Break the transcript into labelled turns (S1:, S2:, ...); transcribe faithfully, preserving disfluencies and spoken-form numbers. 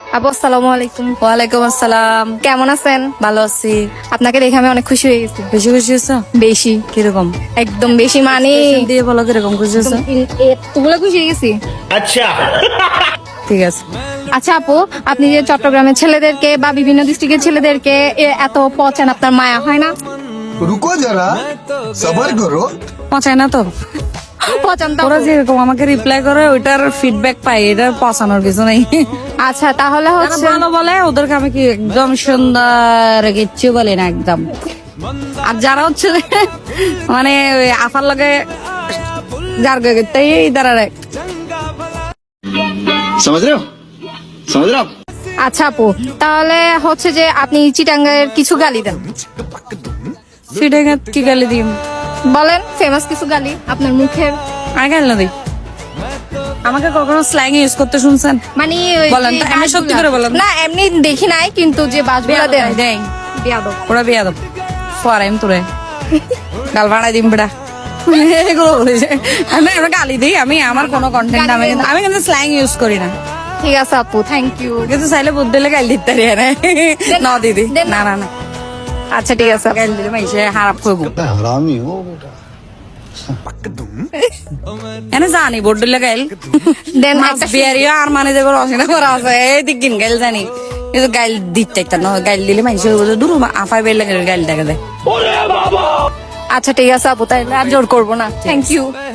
S1: আপু আসসালামু আলাইকুম।
S2: ওয়ালাইকুম আসসালাম।
S1: কেমন আছেন?
S2: ভালো আছি।
S1: আপনাকে দেখে আমি অনেক খুশি হয়ে গেছি।
S2: বেশি খুশি হয়েছো?
S1: বেশি,
S2: কিরকম?
S1: একদম বেশি মানে
S2: দিয়ে বলো কিরকম খুশি হয়েছো?
S1: এতগুলো খুশি হয়ে গেছি।
S2: ঠিক আছে।
S1: আচ্ছা আপু, আপনি যে চট্টগ্রামের ছেলেদেরকে বা বিভিন্ন ডিস্ট্রিক্টের ছেলেদেরকে এ- এত পচান, আপনার মায়া হয় না?
S3: रुको जरा सबर करो।
S2: পচায় না তো?
S1: পচান তো
S2: ওরা
S1: আপু।
S2: যেরকম আমাকে রিপ্লাই করে ওইটার ফিডব্যাক পাই, এটার পচানোর কিছু নেই।
S1: আচ্ছা তাহলে
S2: যারা
S1: হচ্ছে
S2: ভালো বলে ওদেরকে আমি কি একদম সুন্দর কিচ্ছু বলি না একদম। আর যারা হচ্ছে যে মানে ওই আফার লগে যার তাই দাঁড়ারে
S4: समझ रहे हो समझ रहे हो आप?
S1: আচ্ছা আপু, তাহলে হচ্ছে যে আপনি চিটাঙ্গের কিছু গালি দেন,
S2: ফিডে কি গালি দিম?
S1: বলেন ফেমাস কিছু গালি আপনার মুখের।
S2: আমি গালি না দিই। আমাকে কখনো স্ল্যাং ইউজ করতে শুনছেন?
S1: মানে ওই
S2: বলেন
S1: যে
S2: তো, এমনি সত্যি করে বলেন।
S1: না এমনি দেখি নাই, কিন্তু যে বাসগুলা দেন
S2: দেয়
S1: বিয়াদব।
S2: ওরা বিয়া দাও ফরাইম তোরে গাল ভাড়াই দিম বেটা এগুলো বলেছে। আমি আমরা গালি দিই, আমি আমার কোনো কন্টেন্ট আমি কিন্তু আমি কিন্তু স্ল্যাং ইউজ করি না।
S1: ঠিক আছে আপু, থ্যাংক ইউ।
S2: কিন্তু চাইলে বুদ্ধ দিলে গাল দিতে পারি না। না দিদি
S1: দেন
S2: না না না
S1: আচ্ছা ঠিক আছে।
S2: গাল দিলে মাইসে হারাপ করবো।
S3: हरामी हो बेटा।
S2: এনে জানি বোর্ড দিলে গাইল
S1: দেন
S2: মাছ
S1: একটা
S2: বিয়ারিও আর মানে দেবো রসিনা করা আছে এই দিকিন গাইল জানি, কিন্তু গাইল দিতে একটা না গাইল দিলে মাইসে দূর আফাই বেলে গাইল দেখা দেয়।
S1: আচ্ছা ঠিক আছে আপু, তাইলে আর জোর করবো না। Thank you.